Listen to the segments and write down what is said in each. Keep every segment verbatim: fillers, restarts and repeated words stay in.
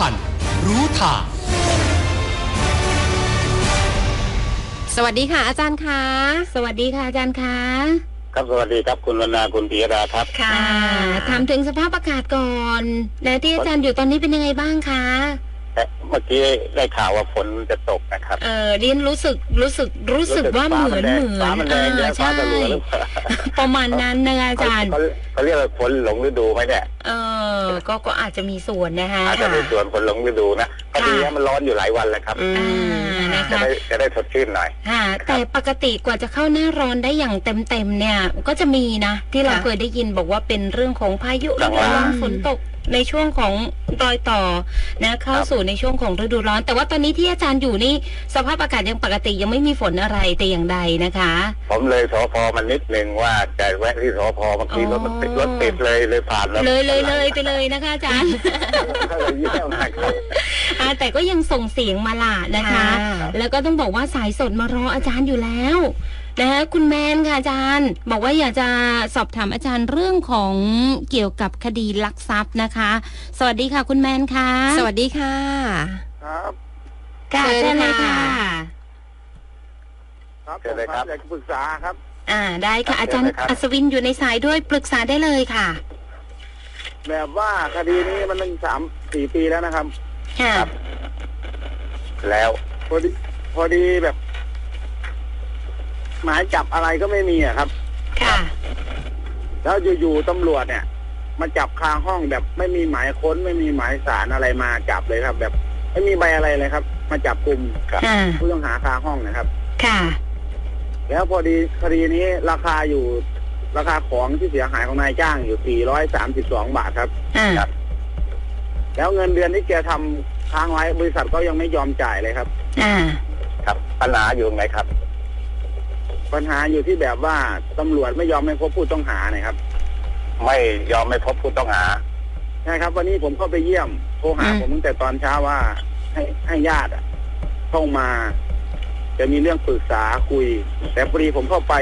ทันรู้ทางสวัสดีค่ะอาจารย์คะสวัสดีค่ะอาจารย์คะครับสวัสดีครับคุณวรรณาคุณปิยดาครับค่ะถามถึงสภาพอากาศก่อนและที่อาจารย์อยู่ตอนนี้เป็นยังไงบ้างคะเมื่อกี้ได้ข่าวว่าฝนจะตกนะครับเออเรียนรู้สึกรู้สึกรู้สึกว่าเหมือนเหมือนอ่าใช่ประมาณนั้นนะอาจารย์เขาเรียกว่าฝนหลงฤดูไหมเนี่ยเออก็ก็อาจจะมีส่วนนะคะอาจจะมีส่วนฝนหลงฤดูนะพอดีมันร้อนอยู่หลายวันแล้วครับจะได้จะได้สดชื่นหน่อยค่ะแต่ปกติกว่าจะเข้าหน้าร้อนได้อย่างเต็มเต็มเนี่ยก็จะมีนะที่เราเคยได้ยินบอกว่าเป็นเรื่องของพายุฤดูร้อนฝนตกในช่วงของรอยต่อนะเข้าสู่ในช่วงของฤดูร้อนแต่ว่าตอนนี้ที่อาจารย์อยู่นี่สภาพอากาศยังปกติยังไม่มีฝนอะไรแต่อย่างใดนะคะผมเลยสพมันนิดนึงว่าจะแวะที่สพบางทีรถมันติดรถติดเลยเลยผ่านเลยเลยเลยไปเลยนะคะอาจารย์แต่ก็ยังส่งเสียงมาล่ะนะคะแล้วก็ต้องบอกว่าสายสดมารออาจารย์อยู่แล้วนะคะคุณแมนค่ะอาจารย์บอกว่าอยากจะสอบถามอาจารย์เรื่องของเกี่ยวกับคดีลักทรัพย์นะคะสวัสดีค่ะคุณแมนค่ะสวัสดีค่ะครับค่ะเชิญเลยค่ะครับเชิญเลยครับอยากปรึกษาครับอ่าได้ค่ะอาจารย์อัศวินอยู่ในสายด้วยปรึกษาได้เลยค่ะแบบว่าคดีนี้มันตั้งสามสี่ปีแล้วนะครับค่ะแล้วพอดีพอดีแบบหมายจับอะไรก็ไม่มีอะครับค่ะแล้วอยู่ๆตำรวจเนี่ยมาจับคาห้องแบบไม่มีหมายค้นไม่มีหมายสารอะไรมาจับเลยครับแบบไม่มีใบอะไรเลยครับมาจับกลุ่มผู้ต้องหาคาห้องนะครับค่ะแล้วพอดีคดีนี้ราคาอยู่ราคาของที่เสียหายของนายจ้างอยู่สี่ร้อยสามสิบสองบาทครับครับแล้วเงินเดือนที่แกทำค้างไว้บริษัทก็ยังไม่ยอมจ่ายเลยครับอ่าครับปัญหาอยู่ไหนครับปัญหาอยู่ที่แบบว่าตำรวจไม่ยอมให้พบผู้ต้องหานะครับไม่ยอมไม่พบผู้ต้องหาใช่ครับวันนี้ผมเข้าไปเยี่ยมโทรหาผมตั้งแต่ตอนเช้าว่าให้ให้ญาติเข้ามาจะมีเรื่องปรึกษาคุยแต่พอดีผมเข้าไป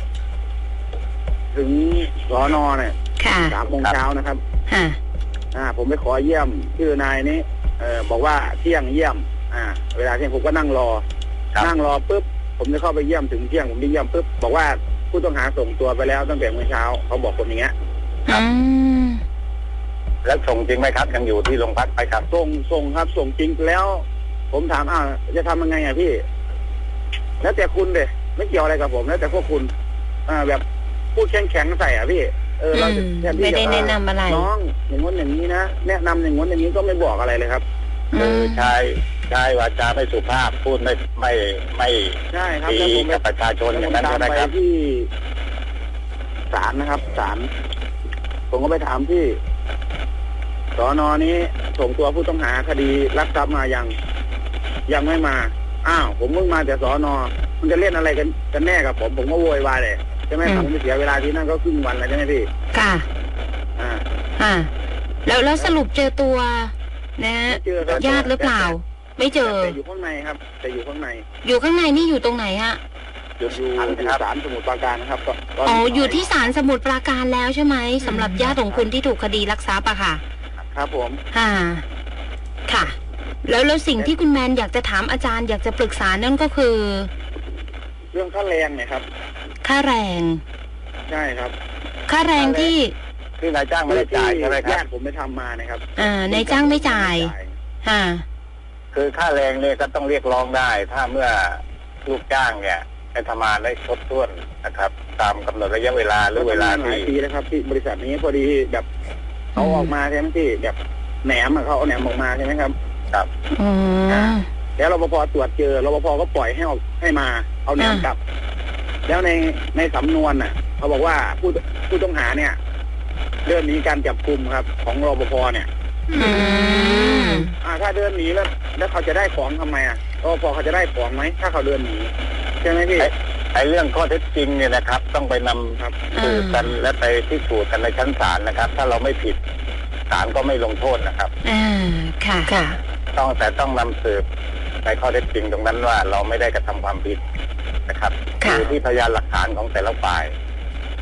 ถึงสน.เนี่ยสามโมงเช้านะครับอ่าผมไปขอเยี่ยมชื่อนายนี้เอ่อบอกว่าเที่ยงเยี่ยมอ่าเวลาเที่ยงผมก็นั่งรอนั่งรอปุ๊บผมจะเข้าไปเยี่ยมถึงเที่ยงผมไปเยี่ยมปุ๊บบอกว่าผู้ต้องหาส่งตัวไปแล้วตั้งแต่เมื่อเช้าเขาบอกผมอย่างเงี้ยครับแล้วส่งจริงไหมครับยังอยู่ที่โรงพักไปครับส่งส่งครับส่งจริงแล้ว ผมถามอ้าวจะทำยังไงอ่ะพี่แล้วแต่คุณเลยไม่เกี่ยวอะไรกับผมแล้วแต่พวกคุณอ่าแบบพูดแข็งแข็งใส่อ่ะพี่เออเราจะไม่ได้แนะนำอะไรน้องอย่างงี้อย่างนี้นะแนะนำอย่างงี้อย่างนี้ก็ไม่บอกอะไรเลยครับเออใช่ใช่วาจาไม่สุภาพพูดไม่ไม่ไม่ใช่ครับดีกับประชาชนอย่างนั้นนะครับที่ศาลนะครับศาลผมก็ไปถามที่สน.นี้ส่งตัวผู้ต้องหาคดีลักทรัพย์มายังยังไม่มาอ้าวผมเพิ่งมาแต่สน.มันจะเล่นอะไรกันกันแน่กับผมผมก็โวยวายเลยใช่ไหมผมไม่เสียเวลาที่นั่นก็ครึ่งวันแล้วใช่ไหมพี่ค่ะอ่าอ่าแล้วแล้วสรุปเจอตัวนะญาติหรือเปล่าไม่เจอแต่อยู่ข้างในครับแต่อยู่ข้างในอยู่ข้างในนี่อยู่ตรงไหนฮะอยู่ที่ศาลสมุทรปราการนะครับอ๋ออยู่ที่ศาลสมุทรปราการแล้วใช่ไหมสำหรับญาติของคุณที่ถูกคดีลักทรัพย์อะค่ะครับผมค่ะค่ะแล้วแล้วสิ่งที่คุณแมนอยากจะถามอาจารย์อยากจะปรึกษานั่นก็คือเรื่องค่าแรงเนี่ยครับค่าแรงใช่ครับค่าแรงที่คือนายจ้างไม่ได้จ่ายใช่ไหมครับญาติผมไม่ทำมานะครับอ่านายจ้างไม่จ่ายค่ะคือค่าแรงเนี่ยก็ต้องเรียกร้องได้ถ้าเมื่อลูกจ้างเนี่ยให้ทำงานได้ครบถ้วนนะครับตามกำหนดระยะเวลาหรือเวลาที่ปีแล้วครับที่บริษัทนี้พอดีแบบเขาออกมาใช่ไหมที่แบบแหนมเขาเอาแหนมออกมาใช่ไหมครับครับอ๋อแล้วรปภตรวจเจอรปภก็ปล่อยให้เอาให้มาเอาแหนมกลับแล้วในในสำนวนน่ะเขาบอกว่าผู้ผู้ต้องหาเนี่ยเดินหนีการจับกุมครับของรปภเนี่ยอืมอ่าถ้าเดินหนีแล้วแล้วเขาจะได้ของทำไมอ่ะรปภเขาจะได้ของไหมถ้าเขาเดินหนีใช่ไหมพี่ไอ้เรื่องข้อเท็จจริงเนี่ยนะครับต้องไปนำครับสืบกันและไปพิสูจน์กันในชั้นศาลนะครับถ้าเราไม่ผิดศาลก็ไม่ลงโทษนะครับอ่าค่ะค่ะต้องแต่ต้องนำสืบในข้อเท็จจริงตรงนั้นว่าเราไม่ได้กระทำความผิดนะครับคือที่พยานหลักฐานของแต่ละฝ่าย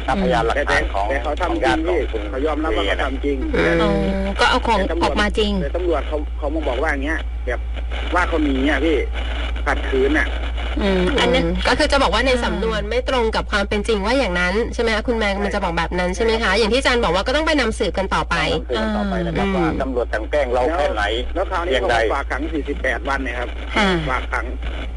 ถ้าพยานหลักฐานของแต่เขาของทำจริญาง ติของพี่คุณเขายอมรับว่าเขาทำจริงอืมอ๋อก็เอาของออกมาจริงแต่ตำรวจเขาเขามาบอกว่าอย่างเงี้ยแบบว่าเขาหนีอ่ะพี่ขัดขืนอ่ะอืมอันนั้นก็คือจะบอกว่าในอ่าสำนวนไม่ตรงกับความเป็นจริงว่าอย่างนั้นใช่ไหมคะคุณแมนมันจะบอกแบบนั้นใช่ไหมคะอย่างที่อาจารย์บอกว่าก็ต้องไปนำสืบกันต่อไปสืบกันต่อไปนะครับอืมว่าตำรวจกลั่นแกล้งเราแค่ไหนแล้วคราวนี้เพียงเขาใดฝากขังสี่สิบแปดวันเนี่ยครับค่ะฝากขัง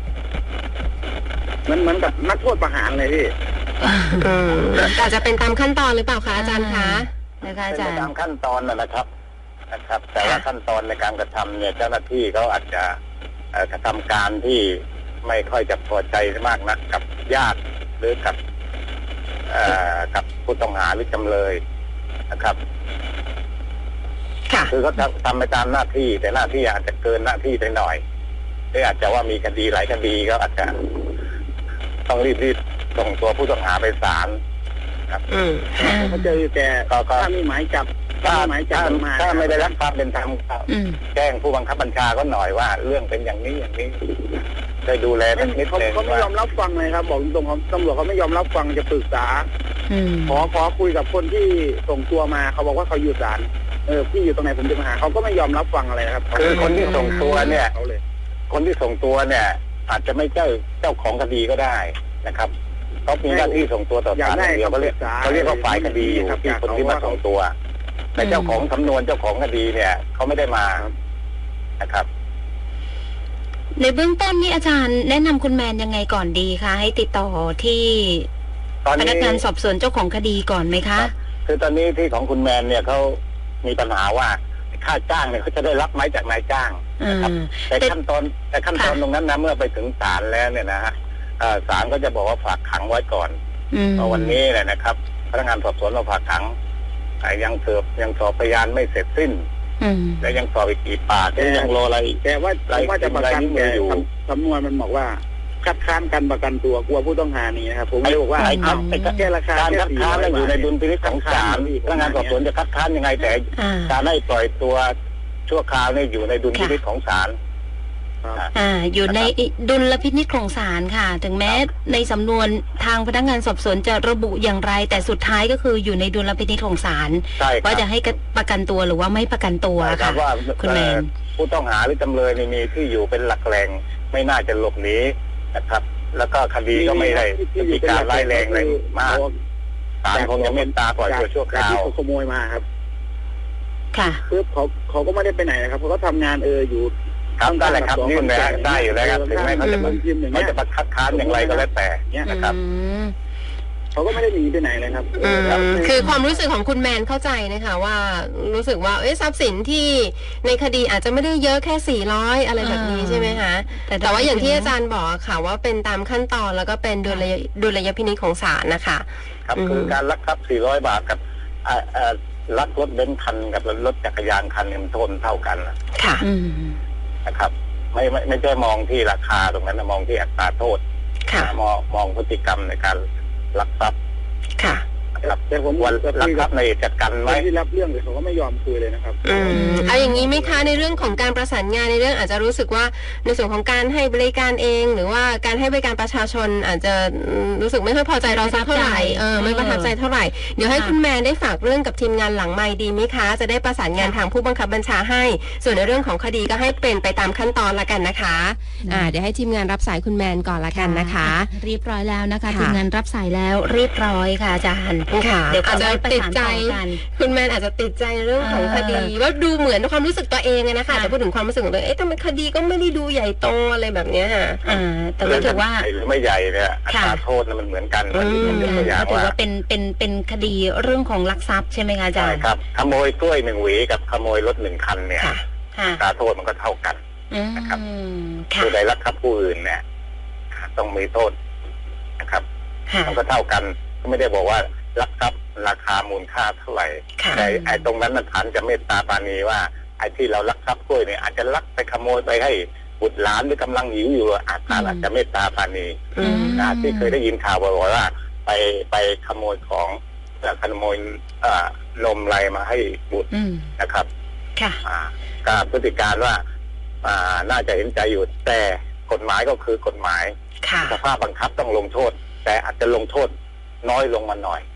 มันเหมือนกับนักโทษประหารเลยพี่อืมอาจจะเป็นตามขั้นตอนหรือเปล่าคะอาจารย์คะนะคะอาเป็นจาไปรย์ตามขั้นตอนนะนะครับนะครับ แต่ว่าค่ะขั้นตอนในการกระทำเนี่ยเจ้าหน้าที่เขาอาจจะเอ่อกระทำการที่ไม่ค่อยจะพอใจมากนักกับญาติหรือกับเอ่อกับผู้ต้องหาหรือจำเลยนะครับค่ะคือเขาทำทำไปตามหน้าที่ แต่หน้าที่อาจจะเกินหน้าที่ไปหน่อยหรืออาจจะว่ามีคดีหลายคดีก็อาจจะต้องรีบๆส่งตัวผู้ต้องหาไปศาลครับอืมอ่าเขาเจอแต่ก็ก็ถ้ามีหมายจับถ้าถ้ามีหมายจับถ้ามันมาถ้าไม่ได้รับความเป็นธรรมก็อืมแจ้งผู้บังคับบัญชาก็หน่อยว่า เรื่องเป็นอย่างนี้อย่างนี้ได้ดูแลสักนิดเขาหนึ่งเขาไม่ว่ายอมรับฟังเลยครับ บอกตรงๆเขาตำรวจเขาไม่ยอมรับฟังจะปรึกษาอืมขอขอคุยกับคนที่ส่งตัวมาเขาบอกว่าเขาอยู่ศาลเออพี่อยู่ตรงไหนผมจะมาหาเขาก็ไม่ยอมรับฟังอะไรนะครับคือคนที่ส่งตัวเนี่ยเขาเลยคนที่ส่งตัวเนี่ย อาจจะไม่เจ้าเจ้าของคดีก็ได้นะครับเขามีหน้าที่ส่งตัวต่อศาลอย่างเดียวเขาเรียกเขาเรียกว่าฝ่ายคดีอยู่ที่คนที่มาส่งตัวแต่เจ้าของสำนวนเจ้าของคดีเนี่ยเขาไม่ได้มานะครับในเบื้องต้นนี่อาจารย์แนะนำคุณแมนยังไงก่อนดีคะให้ติดต่อที่ตอนพนี้นักงานสอบสวนเจ้าของคดีก่อนไหมคะคือตอนนี้ที่ของคุณแมนเนี่ยเขามีปัญหาว่าค่าจ้างเนี่ยเขาจะได้รับไหมจากนายจ้างอ่นะครับาแต่แต่ขั้นตอนแต่ขั้นตอนค่ะตรงนั้นนะเมื่อไปถึงศาลแล้วเนี่ยนะฮะเอ่อศาลก็จะบอกว่าฝากขังไว้ก่อนอืมเพราะวันนี้แหละนะครับพนักงานสอบสวนเราฝากขังแต่ยังเสิร์ฟยังสอบพยานไม่เสร็จสิ้นอืมและยังสอบอีกกี่ปากและยังรออะไรอีกแต่ว่าไรว่าจะประกันไรนี่มืแต่ออยู่สำนวนมันบอกว่าคัดค้านการประกันตัวกลัวผู้ต้องหาหนี้นะครับผมเลยบอกว่าไอ้ครับไอ้แค่ราคาการแค่คัดสี่ค้านร้อยนั้นอยู่ในบาทดุลพินิจของศาลพนักงานสอบสวนจะคัดค้านยังไงแต่อ่าการให้ปล่อยตัวชั่วคราวเนี่ยอยู่ในดุลพินิจของศาลอ่า อยู่ในดุลพินิจของศาลค่ะ ถึงแม้ในสำนวนทางพนักงานสอบสวนจะระบุอย่างไร แต่สุดท้ายก็คืออยู่ในดุลพินิจของศาลใช่ครับว่าจะให้ประกันตัวหรือว่าไม่ประกันตัวใช่ครัค่ะบว่าคุณแมนเอ่อผู้ต้องหาหรือจำเลยนี่มีที่อยู่เป็นหลักแหล่งไม่น่าจะหลบหนีนะครับ แล้วก็คดีก็ไม่ได้มีการร้ายแรงอะไรมากศาลคงจะเมตตาปล่อยตัวชั่วคราวที่เขาขโมยมาครับค่ะคือเขาเขาก็ไม่ได้ไปไหนนะครับเขาก็ทำงานเอออยู่ครับได้แหละครับยื่นเลยฮะได้อยู่แล้วครับถึงแม้เขาจะมันพิมพ์อย่างเขาเงี้ยจะมาคัดค้านอย่างไรก็แล้วแต่เงี้ยนะครับอืมเขาก็ไม่ได้หนีไปไหนเลยครับอืมรับคือความรู้สึกของคุณแมนเข้าใจนะคะว่ารู้สึกว่าเอ้ยทรัพย์สินที่ในคดีอาจจะไม่ได้เยอะแค่สี่ร้อยอะไรแบบนี้อ่าใช่ไหมคะแต่แต่ว่าอย่างที่อาจารย์บอกอะค่ะว่าเป็นตามขั้นตอนแล้วก็เป็นดุลยดุลยพินิจของศาลนะคะครับอืมคือการลักทรัพย์สี่ร้อยบาทกับอ่าอ่าลักรถเบนซ์คันกับรถจักรยานคันเนี่ยมันโทษเท่ากันนะค่ะอืมนะครับ ไม่ไม่ไม่ใช่มองที่ราคาตรงนั้นนะมองที่อัตราโทษค่ะมองมองพฤติกรรมในการลักทรัพย์ค่ะนะครับแต่ผมวันจะลัคุกยทรักับพย์ในจัดการคไว้นที่รับเรื่องเลยเขาก็ไม่ยอมคุยเลยนะครับอืมเอาอย่างนี้ไหมคะในเรื่องของการประสานงานในเรื่องอาจจะรู้สึกว่าในส่วนของการให้บริการเอง หรือว่าการให้บริการประชาชนอาจจะอืมรู้สึกไม่ค่อยพอใจเราสักเท่าไหร่เออไม่ประทับใจเท่าไหร่เดี๋ยวให้คุณแมนได้ฝากเรื่องกับทีมงานหลังไมค์ดีไหมคะ จะได้ประสานงานทางผู้บังคับบัญชาให้ ส่วนในเรื่องของคดีก็ให้เป็นไปตามขั้นตอนละกันนะคะอ่าเดี๋ยวให้ทีมงานรับสายคุณแมนก่อนละกันนะคะเรียบร้อยแล้วนะคะค่ะทีมงานรับสายแล้วเรียบร้อยค่ะอาจารย์ค่ะเดี๋ยวอาจจะประติดสานใจต่อกันคุณแมนอาจจะติดใจเรื่องของเออคดีว่าดูเหมือนความรู้สึกตัวเองอะนะคะค่ะแต่พูดถึงความรู้สึกของตัวเองเอ๊ะทำไมคดีก็ไม่ได้ดูใหญ่โตอะไรแบบเนี้ยค่ะอ่า แต่ก็ถือว่าใหญ่หรือไม่ใหญ่เนี่ยอัตราค่ะโทษนั้นมันเหมือนกันอืมมันยกตัวอย่างก็ถือว่าว่าเป็นเป็นเป็นคดีเรื่องของลักทรัพย์ใช่ไหมคะอาจาใช่รย์ครับขโมยกล้วยหนึ่งหวีกับขโมยรถหนึ่งคันเนี่ยค่ะค่ะอัตราโทษมันก็เท่ากันอืมนะครับค่ะผู้ใดลักทรัพย์ผู้อื่นเนี่ยต้องมีโทษนะครับค่ะมันก็เท่ากันก็ไม่ได้บอกว่าลักทรัพย์ราคามูลค่าเท่าไหร่ค่ะแต่ไอ้ตรงนั้นน่ะฐานจะเมตตาปราณีว่าไอ้ที่เราลักทรัพย์กล้วยเนี่ยอาจจะลักไปขโมยไปให้บุตรหลานหรือกำลังหิวอยู่อาจจะอาจจะเมตตาปราณีอืมนะที่เคยได้ยินข่าวบ่อยๆว่า ไปไปขโมยของเอ่อขโมยเอ่อนมไรมาให้บุตรอืมนะครับค่ะอ่าก็พฤติการว่าอ่าน่าจะเห็นใจอยู่แต่กฎหมายก็คือกฎหมายค่ะสภาพบังคับต้องลงโทษ แต่อาจจะลงโทษน้อยลงมาหน่อย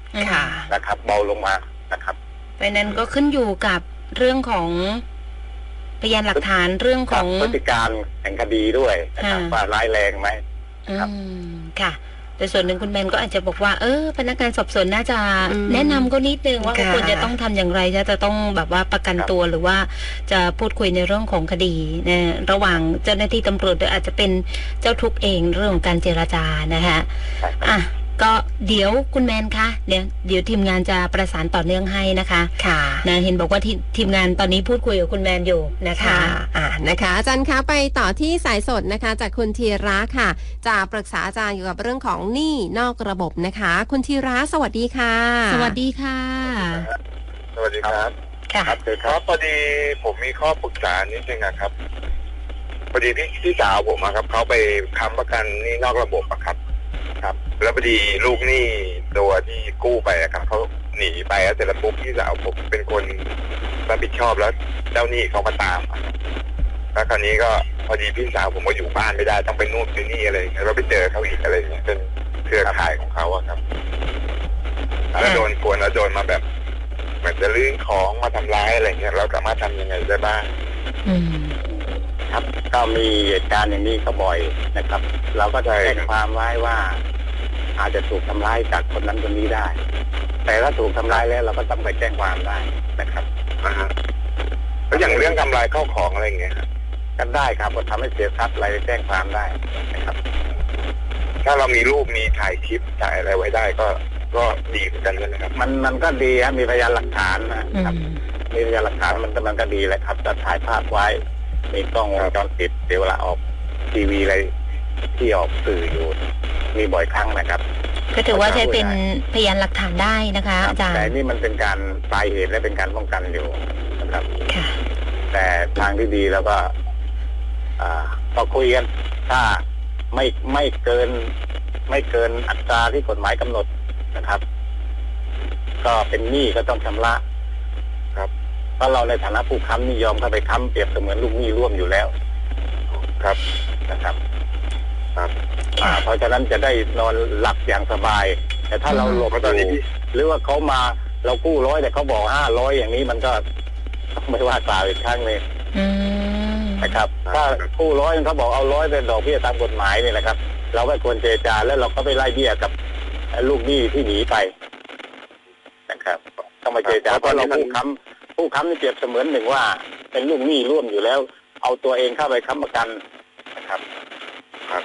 ค่ะนะครับ เบาลงมานะครับเพราะนั้นก็ขึ้นอยู่กับเรื่องของพยานหลักฐานเรื่องของพฤติการแห่งคดีด้วยนะครับว่าร้ายแรงไหมอืครับมค่ะ แต่ส่วนหนึ่งคุณแมนก็อาจจะบอกว่าเออพนักงานสอบสวนน่าจะอืมแนะนำก็นิดนึงว่าค่ะควรจะต้องทำอย่างไรจะต้องแบบว่าประกันตัวหรือว่าจะพูดคุยในเรื่องของคดีนะระหว่างเจ้าหน้าที่ตำรวจหรืออาจจะเป็นเจ้าทุกข์เองเรื่องของการเจรจานะคะใช่ครับอ่ะก็เดี๋ยวคุณแมนคะเดี๋ยวเดี๋ยวทีมงานจะประสานต่อเนื่องให้นะคะค่ะนะเห็นบอกว่าทีทีมงานตอนนี้พูดคุยกับคุณแมนอยู่นะคะค่ะอ่านะคะ อาจารย์คะไปต่อที่สายสดนะคะ จากคุณธีระค่ะ จะปรึกษาอาจารย์เกี่ยวกับเรื่องของหนี้นอกระบบนะคะ คุณธีระสวัสดีค่ะสวัสดีค่ะสวัสดีครับค่ะครับคือคครัรับบพอดีผมมีข้อปรึกษานิดนึงนะครับพอดีพี่พี่สาวผมอะครับเขาไปค้ำประกันหนี่นอกระบบอะครับ ครับ แล้วพอดีลูกหนี้ตัวที่กู้ไปอะครับเขาหนีไปแล้วเสร็จแล้วปุ๊บพี่สาวผมเป็นคนรับผิดชอบแล้วเจ้าหนี้เขามาตามอะแล้วคราวนี้ก็พอดีพี่สาวผมก็อยู่บ้านไม่ได้ต้องไปนู่นไปนี่อะไรอย่างเงี้ยแล้วไปเจอเขาอีกอะไรอย่างเงี้ยเป็นเครือข่ายของเขาอะครับแล้วโดนกวนแล้วโดนมาแบบเหมือนจะลื้อของมาทำร้ายอะไรเงี้ยเราสามารถทำยังไงได้บ้างอืมครับก็มีเหตุการณ์อย่างนี้ก็บ่อยนะครับ เราก็จะแจ้งความไว้ว่า อาจจะถูกทำร้ายจากคนนั้นคนนี้ได้ แต่ถ้าถูกทำร้ายแล้วเราก็ต้องไปแจ้งความได้นะครับอ่าฮะแล้วอย่างเรื่องทำลายข้าวของอะไรอย่างเงี้ยครับกันได้ครับก็ทำให้เสียทรัพย์อะไรแจ้งความได้นะครับถ้าเรามีรูปมีถ่ายคลิปถ่ายอะไรไว้ได้ก็ก็ดีเหมือนกันนะครับมันมันก็ดีครับมีพยานหลักฐานนะอืครับมมีพยานหลักฐานมันก็มันก็ดีแหละครับจะถ่ายภาพไว้มีกล้องวงจรปิดเดี๋ยวเวลาออกทีวีอะไรที่ออกสื่ออยู่ มีบ่อยครั้งนะครับก็ถือว่าใช้เป็นพยานหลักฐานได้นะคะครับอาจารย์แต่นี่มันเป็นการปลายเหตุและเป็นการป้องกันอยู่นะครับค่ะแต่ทางที่ดีแล้วก็ อ่าก็คุยกัน ถ้าไม่ไม่เกิน ไม่เกินอัตราที่กฎหมายกำหนดนะครับ ก็เป็นหนี้ก็ต้องชำระครับเพราะเราในฐานะผู้ค้ำนี่ยอมเข้าไปค้ำเปรียบเสมือนลูกหนี้ร่วมอยู่แล้ว ครับนะครับ ครับอ่าเพราะฉะนั้นจะได้นอนหลับอย่างสบาย แต่ถ้าเราหลบเพราะตอนนี้อยู่หรือว่าเขามาเรากู้ร้อยแต่เขาบอกห้าร้อยอย่างนี้มันก็ต้องไม่ว่ากล่าวอีกครั้งเลยอืมนะครับ ถ้ากู้ร้อยเขาบอกเอาร้อยเป็นดอกเบี้ยตามกฎหมายนี่แหละครับ เราไม่ควรเจรจาแล้วเราก็ไปไล่เบี้ยกับลูกหนี้ที่หนีไปนะครับต้องมาเจรจาเพราะเราผู้ค้ำผู้ค้ำนี่เปรียบเสมือนหนึ่งว่า เป็นลูกหนี้ร่วมอยู่แล้ว เอาตัวเองเข้าไปค้ำประกันนะครับครับ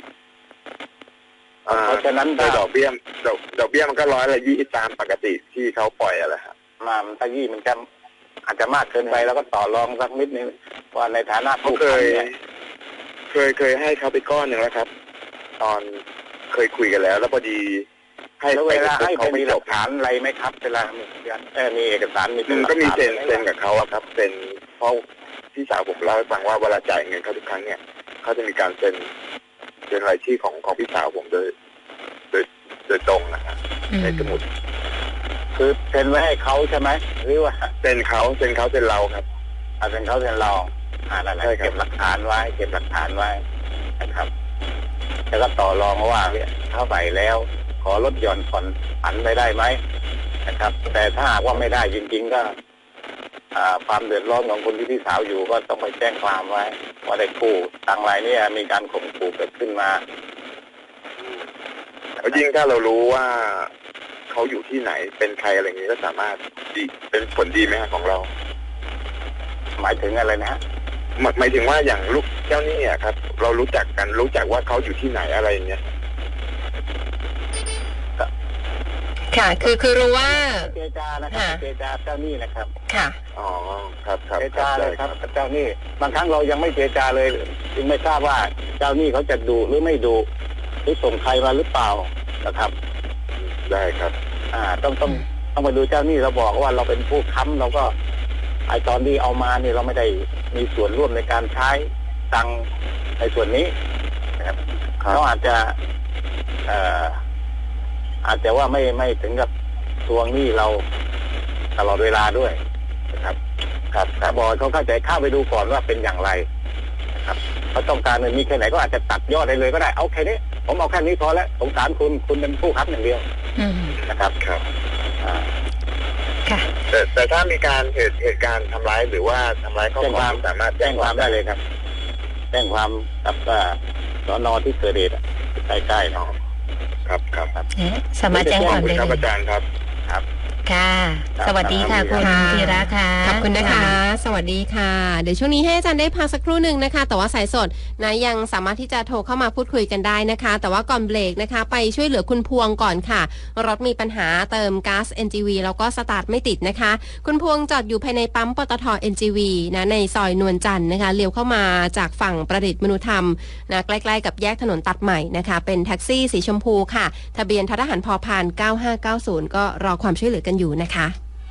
เพราะฉะนั้นโดถ้ายดอกเบี้ยดอกดอกเบี้ยมันก็ร้อยละยี่ตามปกติที่เขาปล่อยอะไรครับมามันถ้ายี่มันจะอาจจะมากเกินไปแล้วก็ต่อรองสักนิดนึงว่าในฐานะเขาผู้เคยค้ำเนี่ยเคยเคยให้เขาไปก้อนหนึ่งแล้วครับ ตอนเคยคุยกันแล้ว แล้วพอดีให้แล้วเวลาให้เขาเป็นไม่มีหจลับกฐานอะไรไหมครับเวลามีเออมีเอกสารมีเป็มัน นหลัก็มีฐาเซ็นไหเซ็นกับเขาอะครับเซ็นเพราะพี่สาวผมเล่าให้ฟังว่าเวลาจ่ายเงินเขาทุกครั้งเนี่ยเขาจะมีการเซ็นเซ็นรายชื่อของของพี่สาวผมโดยโดยโดยตรงนะครับอืมในสมุดคือเซ็นไว้ให้เขาใช่ไหมหรือว่าเซ็นเขาเซ็นเขาเซ็นเราครับเอาเซ็นเขาเซ็นเราอ่านั่นแหละใช่ครับเก็บหลักฐานไว้เก็บหลักฐานไว้นะครับ แล้วก็ต่อรองว่าเนี่ยเท่าไหร่แล้ว ขอลดหย่อนผ่อนผันไปได้ไหมนะครับ แต่ถ้าหากว่าไม่ได้จริงๆก็ อ่าความเดือดร้อนของคนที่พี่สาวอยู่ก็ต้องไปแจ้งความไว้ว่าได้กู้ตังรายเนี้มีการข่มขู่เกิดขึ้นมาแล้วยิ่งถ้าเรารู้ว่าเขาอยู่ที่ไหนเป็นใครอะไรอย่างนี้ก็สามารถดีเป็นผลดีไหมฮะของเราหมายถึงอะไรนะฮะหมายหมายถึงว่าอย่างลูกเจ้าหนี้อะครับ เรารู้จักกันรู้จักว่าเขาอยู่ที่ไหนอะไรอย่างเงี้ยค่ะ คือคือรู้ว่าเจรจานะครับค่ะเจรจาเจ้าหนี้นะครับค่ะอ๋อครับครับเจรจาเลยครับได้เจ้าหนี้บางครั้งเรายังไม่เจรจาเลยจึงไม่ทราบว่าเจ้าหนี้เขาจะดุหรือไม่ดุหรือส่งใครมาหรือเปล่านะครับได้ครับอ่า ต้องต้องต้องไปดูเจ้าหนี้เราบอกว่าเราเป็นผู้ค้ำเราก็ไอตอนที่เอามาเนี่ยเราไม่ได้มีส่วนร่วมในการใช้ตังค์ในส่วนนี้นะครับครับเขาอาจจะ เอ่ออาจจะว่าไม่ไม่ถึงกับทวงหนี้เราตลอดเวลาด้วยนะครับ ครับแต่บอกเขาเข้าใจเข้าไปดูก่อนว่าเป็นอย่างไรนะครับเขาต้องการเงินมีแค่ไหนก็อาจจะตัดยอดได้เลยก็ได้เอาแค่นี้ผมเอาแค่นี้พอแล้วสงสารคุณคุณเป็นผู้ค้ำอย่างเดียวอืมนะครับครับอ่าค่ะแต่แต่ถ้ามีการเหตุเหตุการณ์ทำร้ายหรือว่าทำร้ายครอบครัวสามารถแจ้งความได้เลยครับแจ้งความกับสน.ที่เกิดเหตุใกล้ๆเนาะครับครับสามารถแจ้งความได้ครับเลอาย จารย์ครับครับค่ะ สวัสดีค่ะคุณธีระค่ะขอบคุณนะคะ สวัสดีค่ะ เดี๋ยวช่วงนี้ให้อาจารย์ได้พักสักครู่หนึ่งนะคะ แต่ว่าสายสดนะยังสามารถที่จะโทรเข้ามาพูดคุยกันได้นะคะ แต่ว่าก่อนเบรกนะคะ ไปช่วยเหลือคุณพวงก่อนค่ะ รถมีปัญหาเติมก๊าซ เอ็น จี วี แล้วก็สตาร์ทไม่ติดนะคะ คุณพวงจอดอยู่ภายในปั๊มปตท เอ็น จี วี นะในซอยนวลจันทร์นะคะเลี้ยวเข้ามาจากฝั่งประดิษฐ์มนุธรรมนะใกล้ๆกับแยกถนนตัดใหม่นะคะเป็นแท็กซี่สีชมพูค่ะทะเบียนททหารพพานเก้าห้าเก้าศูนย์ก็รอความช่วยเหลือกันอยู่นะคะ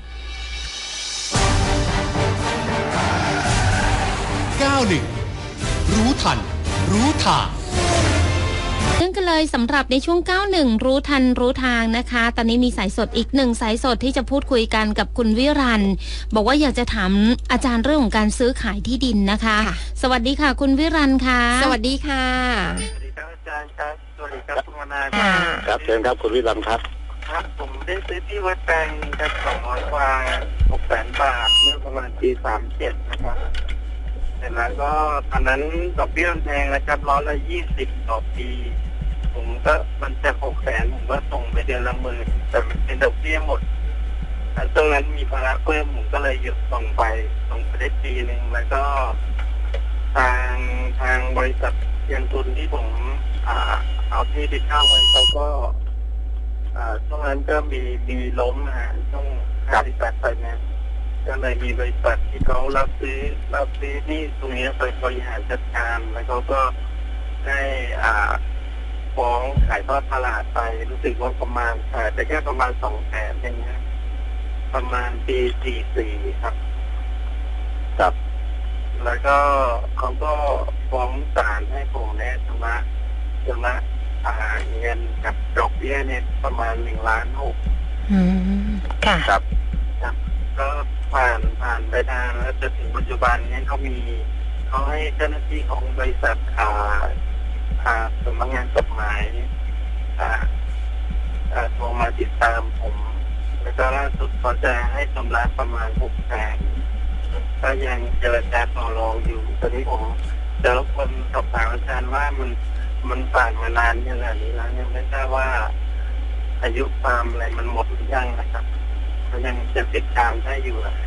เก้าหนึ่งรู้ทันรู้ทางเรื่องกันเลยสำหรับในช่วงเก้าหนึ่งรู้ทันรู้ทางนะคะตอนนี้มีสายสดอีกหนึ่งสายสดที่จะพูดคุยกันกับคุณวิรันบอกว่าอยากจะถามอาจารย์เรื่องของการซื้อขายที่ดินนะคะสวัสดีค่ะคุณวิรันค่ะสวัสดีค่ะสวัสดีครับอาจารย์ครับสวัสดีครับคุณวนาค่ะครับเชิญครับคุณวิรันครับครับผมได้ซื้อที่วัดแปลงครับสองร้อยกว่าหกแสนบาทเมื่อประมาณปีสามเจ็ดนะครับเสร็จแล้วก็ตอนนั้นดอกเบี้ยแพงนะครับร้อยละยี่สิบต่อปีผมก็มันจะหกแสนผมก็ส่งไปเดือนละหมื่นแต่มันเป็นดอกเบี้ยหมดตรงนั้นมีภาระเพิ่มผมก็เลยหยุดส่งไปส่งไปได้ปีหนึ่งแล้วก็ทางทางบริษัทยังทุนที่ผมอ่าเอาที่ไปเช่าไว้เขาก็อ่าช่วงนั้นก็มีมีล้มนะฮะช่วงห้าสิบแปดไฟแนนซ์ก็เลยมีบริษัทที่เขารับซื้อรับซื้อนี่ตรงนี้ไปบริหารจัดการแล้วเขาก็ได้อ่าฟ้องขายทอดตลาดไปรู้สึกว่าประมาณขายแต่แค่ประมาณสองแสนอย่างเงี้ยประมาณปีสี่สี่ครับครับแล้วก็เขาก็ฟ้องศาลให้ผมเนี่ยชำระชำระอ่าเงินกับดอกเบี้ยเนี่ยประมาณหนึ่งล้านหกอืมค่ะครับครับก็ผ่านผ่านไปนานแล้วจนถึงปัจจุบันเนี่ยเขามีเขาให้เจ้าหน้าที่ของบริษัทอ่าอ่าสำนักงานกฎหมายอ่าอ่าโทรมาติดตามผมแล้วก็ล่าสุดเขาจะให้ชำระประมาณหกแสนก็ยังเจรจาต่อรองอยู่ตอนนี้ผมจะรบกวนสอบถามอาจารย์ว่ามันมันผ่านมานานขนาดนี้แล้วยังไม่ทราบว่าอายุความอะไรมันหมดหรือยังนะครับมันยังจะติดตามได้อยู่นะ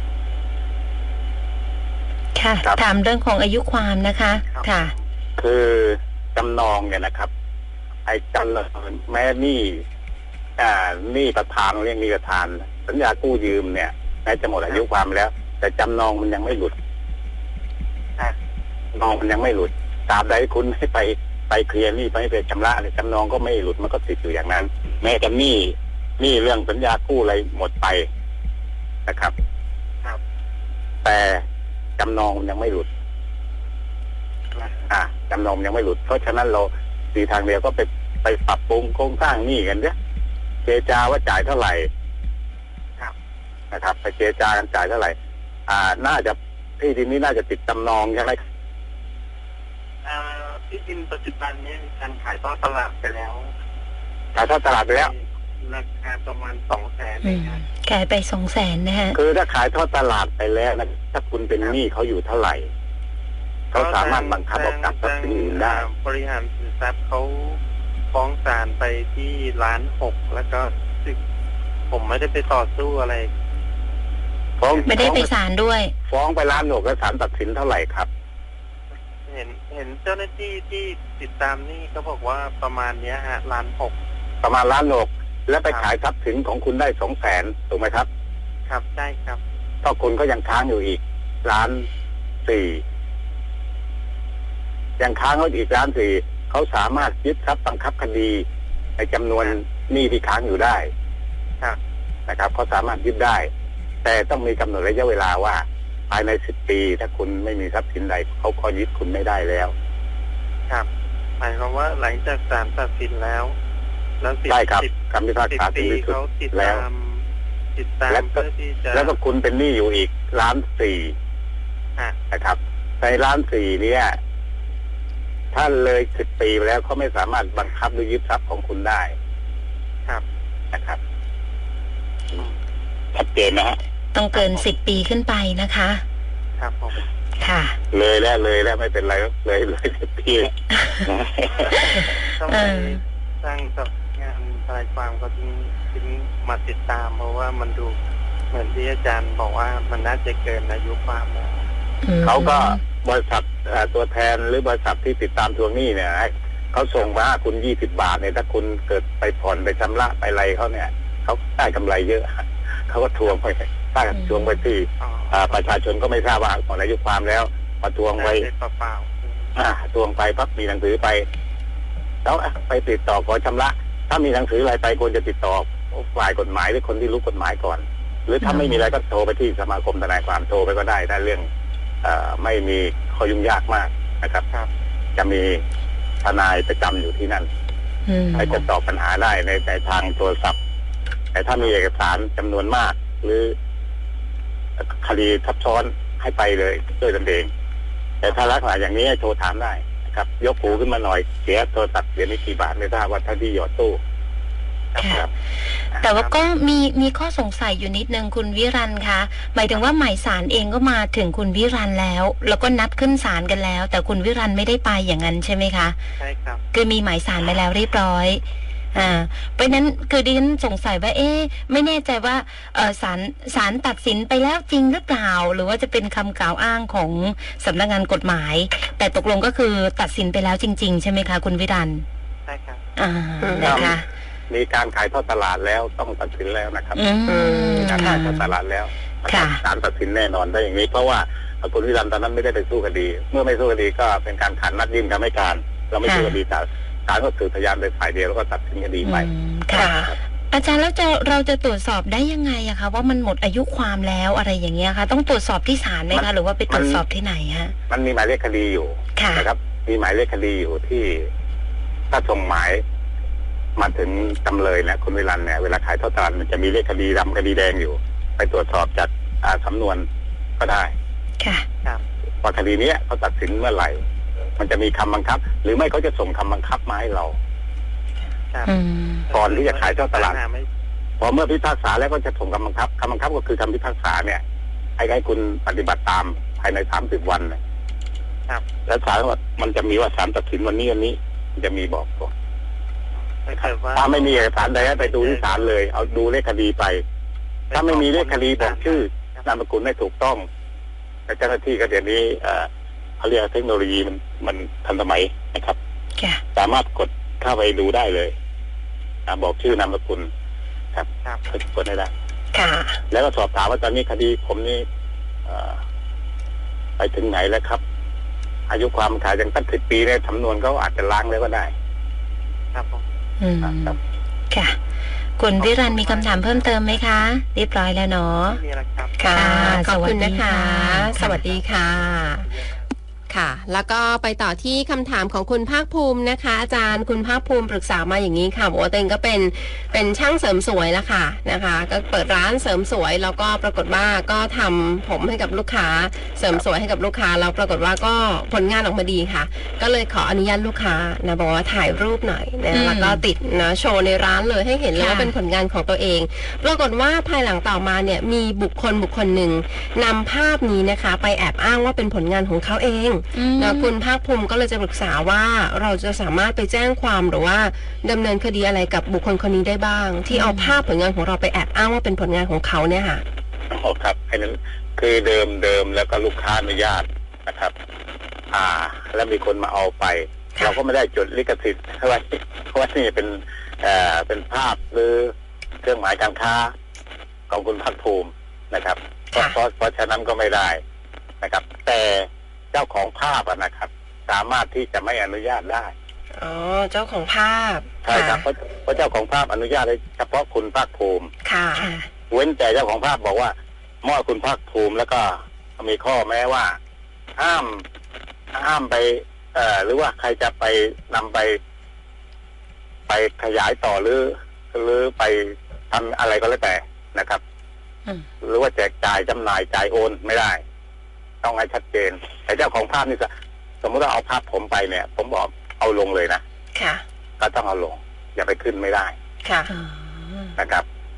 ค่ะถามเรื่องของอายุความนะคะค่ะคือจำนองเนี่ยนะครับไอ้จำนองแม้หนี้อ่าหนี้ประธานเรียกหนี้ประธานสัญญากู้ยืมเนี่ยแม้จะหมดอายุความแล้วแต่จำนองมันยังไม่หลุดจำนองมันยังไม่หลุดตราบใดคุณให้ไปไปเคลียร์หนี้ไปไปชำระเนี่ยจำนองก็ไม่หลุดมันก็ติดอยู่อย่างนั้นแม้แต่หนี้หนี้เรื่องสัญญากู้อะไรหมดไปนะครับแต่จำนองมันยังไม่หลุดอ่าจำนองยังไม่หลุดเพราะฉะนั้นเราสีทางเดียวก็ไปไปปรับปรุงโครงสร้างหนี้กันเนี่ยเจรจาว่าจ่ายเท่าไหร่นะครับไปเจรจากันจ่ายเท่าไหร่อ่าน่าจะที่ดินนี้น่าจะติดจำนองใช่ไหมอ่าที่ดินปัจจุบันนี้มีการขายทอดตลาดไปแล้วขายทอดตลาดไปแล้วราคาประมาณสองแสนขายไปสองแสนนะฮะคือถ้าขายทอดตลาดไปแล้วนะถ้าคุณเป็นหนี้เขาอยู่เท่าไหร่เขาสามารถบังคับออกจากทรัพย์สินอื่นได้บริหารสินทรัพย์เขาฟ้องศาลไปที่ล้านหกแล้วก็ผมไม่ได้ไปต่อสู้อะไรฟ้องไม่ได้ไปศาลด้วยฟ้องไปล้านหกแล้วศาลตัดสินเท่าไหร่ครับเห็นเห็นเจ้าหน้าที่ที่ติดตามนี่เขาบอกว่าประมาณเนี้ยฮะล้านหกประมาณล้านหกแล้วไปขายทรัพย์สินของคุณได้สองแสนถูกไหมครับครับใช่ครับก็คุณก็ยังค้างอยู่อีกล้านสี่ยังค้างเขาอีกล้านสี่เขาสามารถยึดทรัพย์บังคับคดีในจำนวนหนี้ที่ค้างอยู่ได้นะครับเขาสามารถยึดได้แต่ต้องมีกำหนดระยะเวลาว่าภายในสิบปีถ้าคุณไม่มีทรัพย์สินใดเขาก็ยึดคุณไม่ได้แล้วครับหมายความว่าหลังจากศาลตัดสินแล้วแล้วใช่ครับคำพิพากษาถึงที่สุดแล้วติดตามเพื่อที่จะแล้วก็คุณเป็นหนี้อยู่อีกล้านสี่นะครับในล้านสี่เนี่ยถ้าเลยสิบปีไปแล้วเขาไม่สามารถบังคับหรือยึดทรัพย์ของคุณได้ครับนะครับชัดเจนนะฮะต้องเกินสิบปีขึ้นไปนะคะครับผมค่ะเลยแล้วเลยแล้วไม่เป็นไรเลยเลยสิบปีทำไมสร้างสำงานทนายความก็ถึงถึงมาติดตามเพราะว่ามันดูเหมือนที่อาจารย์บอกว่ามันน่าจะเกินอายุความแล้วเขาก็บริษัทตัวแทนหรือบริษัทที่ติดตามทวงหนี้เนี่ยเขาส่งมาคุณยี่สิบบาทเนี่ยถ้าคุณเกิดไปผ่อนไปชำระไปอะไรเขาเนี่ยเขาได้กำไรเยอะเขาก็ทวงไปถ้าทวงไปที่ประชาชนก็ไม่ทราบว่าหมดอายุความแล้วมาทวงไว้เปล่าๆทวงไปปั๊บมีหนังสือไปแล้วไปติดต่อขอชำระถ้ามีหนังสืออะไรไปควรจะติดต่อฝ่ายกฎหมายหรือคนที่รู้กฎหมายก่อนหรือถ้าไม่มีอะไรก็โทรไปที่สมาคมทนายความโทรไปก็ได้ถ้าเรื่องไม่มีข้อยุ่งยากมากนะครับจะมีทนายประจำอยู่ที่นั่นให้จะตอบปัญหาได้ในในทางโทรศัพท์แต่ถ้ามีเอกสารจำนวนมากหรือคดีซับซ้อนให้ไปเลยด้วยตนเองแต่ถ้าลักษณะอย่างนี้ให้โทรถามได้นะครับยกหูขึ้นมาหน่อยเสียโทรศัพท์เดี๋ยวนี้กี่บาทไม่ทราบว่าถ้าที่หยอดตู้ค่ะแต่ว่าก็มีมีข้อสงสัยอยู่นิดนึงคุณวิรันคะหมายถึงว่าหมายสารเองก็มาถึงคุณวิรันแล้ว แล้วก็นัดขึ้นศาลกันแล้ว แต่คุณวิรันไม่ได้ไปอย่างนั้นใช่ไหมคะใช่ครับคือมีหมายสารไปแล้วเรียบร้อยอ่าเพราะนั้นคือดิฉันสงสัยว่าเอ๊ะไม่แน่ใจว่าเออศาลศาลตัดสินไปแล้วจริงหรือเปล่าหรือว่าจะเป็นคำกล่าวอ้างของสำนักงานกฎหมายแต่ตกลงก็คือตัดสินไปแล้วจริงๆใช่ไหมคะคุณวิรันใช่ครับอ่านะคะมีการขายทอดตลาดแล้วต้องตัดสินแล้วนะครับมีการขายทอดตลาดแล้วศาลตัดสินแน่นอนได้อย่างนี้เพราะว่าคุณวิรันตอนนั้นไม่ได้ไปสู้คดีเมื่อไม่สู้คดีก็เป็นการขันนัดยื่นคำให้การเราไม่สู้คดีศาลศาลก็สืบพยานโดยฝ่ายเดียวแล้วก็ตัดสินคดีไปค่ะอาจารย์แล้วจะเราจะตรวจสอบได้ยังไงอะคะว่ามันหมดอายุความแล้วอะไรอย่างเงี้ยคะต้องตรวจสอบที่ศาลไหมคะหรือว่าไปตรวจสอบที่ไหนฮะมันมีหมายเลขคดีอยู่นะครับมีหมายเลขคดีอยู่ที่ถ้าส่งหมายมาถึงจำเลยนะคุณวิรันเนี่ยเวลาขายทอดตลาดมันจะมีเลขคดีดำคดีแดงอยู่ไปตรวจสอบจากสำนวนก็ได้ค่ะว่าคดีนี้เขาตัดสินเมื่อไหร่มันจะมีคำบังคับหรือไม่เขาจะส่งคำบังคับมาให้เราก่อนที่จะขายทอดตลาดพอเมื่อพิพากษาแล้วก็จะส่งคำบังคับคำบังคับก็คือคำพิพากษาเนี่ยให้ให้คุณปฏิบัติตามภายในสามสิบวันนะครับแล้วศาลว่ามันจะมีว่าศาลตัดสินวันนี้วันนี้จะมีบอกก่อนถ้าไม่มีเอกสารใดไปดูที่ศาลเลยเอาดูเลขคดีไปถ้าไม่มีเลขคดีบอกชื่อนามสกุลไม่ถูกต้องแต่เจ้าหน้าที่ก็เดี๋ยวนี้เขาเรียกเทคโนโลยีมันมันทันสมัยนะครับสามารถกดเข้าไปดูได้เลยบอกชื่อนามสกุลครับกดได้ได้แล้วก็สอบถามว่าตอนนี้คดีผมนี่ไปถึงไหนแล้วครับอายุความขายอย่างตั้งสิบปีเนี่ยสำนวนเขาอาจจะล้างแล้วก็ได้ครับผมอืมค่ะคุณวิรันมีคำถามเพิ่มเติมไหมคะเรียบร้อยแล้วเนาะมีแล้วครับค่ะขอบคุณนะคะสวัสดีค่ะค่ะแล้วก็ไปต่อที่คำถามของคุณภาคภูมินะคะอาจารย์คุณภาคภูมิปรึกษามาอย่างนี้ค่ะบอกว่าตัวเองก็เป็นเป็นช่างเสริมสวยแล้วค่ะนะคะก็เปิดร้านเสริมสวยแล้วก็ปรากฏว่าก็ทำผมให้กับลูกค้าเสริมสวยให้กับลูกค้าแล้วปรากฏว่าก็ผลงานออกมาดีค่ะก็เลยขออนุญาตลูกค้านะบอกว่าถ่ายรูปหน่อยนะแล้วก็ติดนะโชว์ในร้านเลยให้เห็นเลยว่าเป็นผลงานของตัวเองปรากฏว่าภายหลังต่อมาเนี่ยมีบุคคลบุคคลหนึ่งนำภาพนี้นะคะไปแอบอ้างว่าเป็นผลงานของเขาเองนะคุณภาคภูมิก็เลยจะปรึกษาว่าเราจะสามารถไปแจ้งความหรือว่าดำเนินคดีอะไรกับบุคคลคนนี้ได้บ้างที่เอาภาพผลงานของเราไปแอบอ้างว่าเป็นผลงานของเขาเนี่ยค่ะอ๋อครับไอ้นั้นคือเดิมเดิมแล้วก็ลูกค้าอนุญาตนะครับ อ่า แล้วมีคนมาเอาไปเราก็ไม่ได้จดลิขสิทธิ์อะไรเพราะว่านี่เป็นเอ่อเป็นภาพหรือเครื่องหมายการค้าของคุณภาคภูมินะครับเพราะเพราะฉะนั้นก็ไม่ได้นะครับแต่เจ้าของภาพนะครับสามารถที่จะไม่อนุญาตได้อ๋อเจ้าของภาพใช่ครับเพราะเพราะเจ้าของภาพอนุญาตให้เฉพาะคุณภาคภูมิค่ะเว้นแต่เจ้าของภาพบอกว่ามอบคุณภาคภูมิแล้วก็มีข้อแม้ว่าห้ามห้ามไปเอ่อหรือว่าใครจะไปนำไปไปขยายต่อหรือหรือไปทำอะไรก็แล้วแต่นะครับหรือว่าแจกจ่ายจำหน่ายจ่ายโอนไม่ได้ต้องให้ชัดเจนแต่เจ้าของภาพนี่สมมติว่าเอาภาพผมไปเนี่ยผมบอกเอาลงเลยนะค่ะก็ต้องเอาลงอย่าไปขึ้นไม่ได้ค่ะนะครับ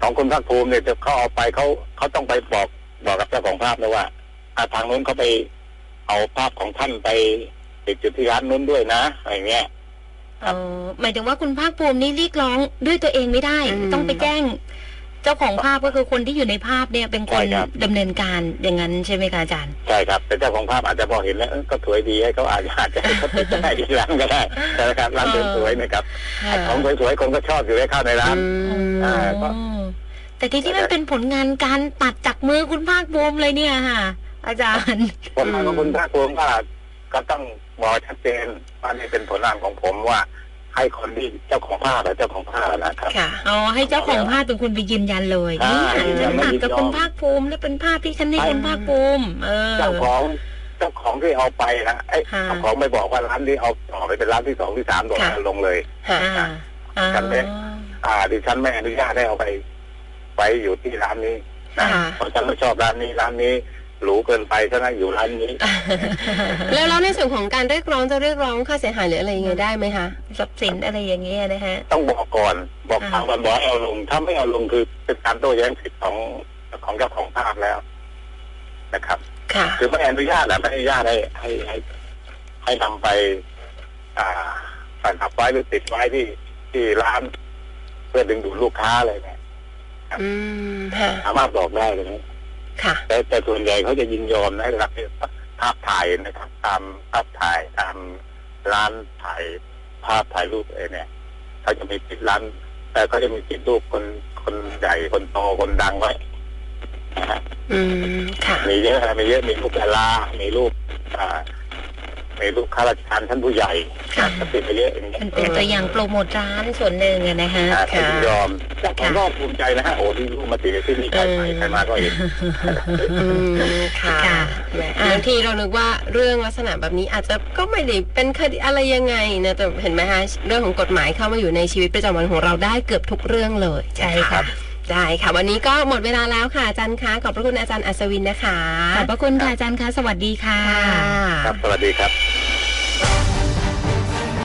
ของคุณภาคภูมิเนี่ยจะเขาเอาไปเขาเขาต้องไปบอกบอกกับเจ้าของภาพนะว่าอาทางนู้นเขาไปเอาภาพของท่านไปติดจุดที่ร้านนู้นด้วยนะอะไรเงี้ยเออหมายถึงว่าคุณภาคภูมินี่เรียกร้องด้วยตัวเองไม่ได้ ต้องไปแจ้งเจ้าของภาพก็คือคนที่อยู่ในภาพเนี่ยเป็นคนดำเนินการอย่างนั้นใช่ไหมคะอาจารย์ใช่ครับแต่เจ้าของภาพอาจจะพอเห็นแล้วก็สวยดีให้เขาอาจจะอาจจะให้เขาติดได้ที่ร้านก็ได้แต่ละครับร้านสวยๆนะครับของสวยๆคนก็ชอบอยู่ให้เข้าในร้านอ่าก็แต่ที่ที่มันเป็นผลงานการตัดจากมือคุณภาคภูมิเลยเนี่ยค่ะอาจารย์ผลงานของคุณภาคภูมิก็ก็ต้องบอกชัดเจนว่านี่เป็นผลงานของผมว่าให้คนที่เจ้าของภาพและเจ้าของภาพนะครับค่ะอ๋อให้เจ้าของภาพเป็นคนไปยืนยันเลยนี่ฉันตัดกับคุณภาคภูมิและเป็นภาพที่ฉันให้คุณภาคภูมิเออเจ้าของเจ้าของที่เอาไปนะไอ้เจ้าของไม่บอกว่าร้านที่เอาต่อไปเป็นร้านที่สองที่สามโดดลงเลยฉันเป็นอ่าดิฉันไม่อนุญาตให้เอาไปไว้อยู่ที่ร้านนี้นะเพราะฉันไม่ชอบร้านนี้ร้านนี้หรูเกินไปฉะนั้นอยู่ร้านนี้แล้วแล้วในส่วนของการเรียกร้องจะเรียกร้องค่าเสียหายหรืออะไรยังไงได้ไหมคะทรัพย์สินอะไรอย่างเงี้ยนะฮะต้องบอกก่อนบอกทางก่อนบอกเอาลงถ้าไม่เอาลงคือเป็นการโต้แย้งสิทธิ์ของของเจ้าของภาพแล้วนะครับค่ะคือไม่อนุญาตนะไม่อนุญาตให้ให้ให้ให้นำไป อ่าประดับไว้หรือติดไว้ที่ที่ร้านเพื่อดึงดูดลูกค้าอะไรเนี่ยอืมค่ะสามารถบอกได้เลยนะค่ะแต่แต่ส่วนใหญ่เขาจะยินยอมนะรับภาพถ่ายนะครับตามภาพถ่ายตามร้านถ่ายภาพถ่ายรูปเองเนี่ยเขาจะมีติดร้านแต่เขาจะมีติดรูปคนคนใหญ่คนโตคนดังไว้นะฮะอืมค่ะมีเยอะมีเยอะมีรูปดารามีรูปอ่ามีรูปข้าราชการท่านผู้ใหญ่ก็ติดไปเยอะอย่างเงี้ยเป็นตัวอย่างโปรโมทร้านส่วนหนึ่งนะฮะค่ะยอมเจ้าของก็ภูมิใจนะฮะโอ้ที่รูปมาติดที่นี่ใครไปใครมาก็เห็นค่ะบางทีเรานึกว่าเรื่องลักษณะแบบนี้อาจจะก็ไม่ได้เป็นคดีอะไรยังไงนะแต่เห็นไหมคะเรื่องของกฎหมายเข้ามาอยู่ในชีวิตประจำวันของเราได้เกือบทุกเรื่องเลยใช่ค่ะได้ค่ะวันนี้ก็หมดเวลาแล้วค่ะอาจารย์คะขอบพระคุณอาจารย์อัศวินนะคะขอบพระคุณค่ะอาจารย์คะสวัสดีค่ะครับสวัสดีครับ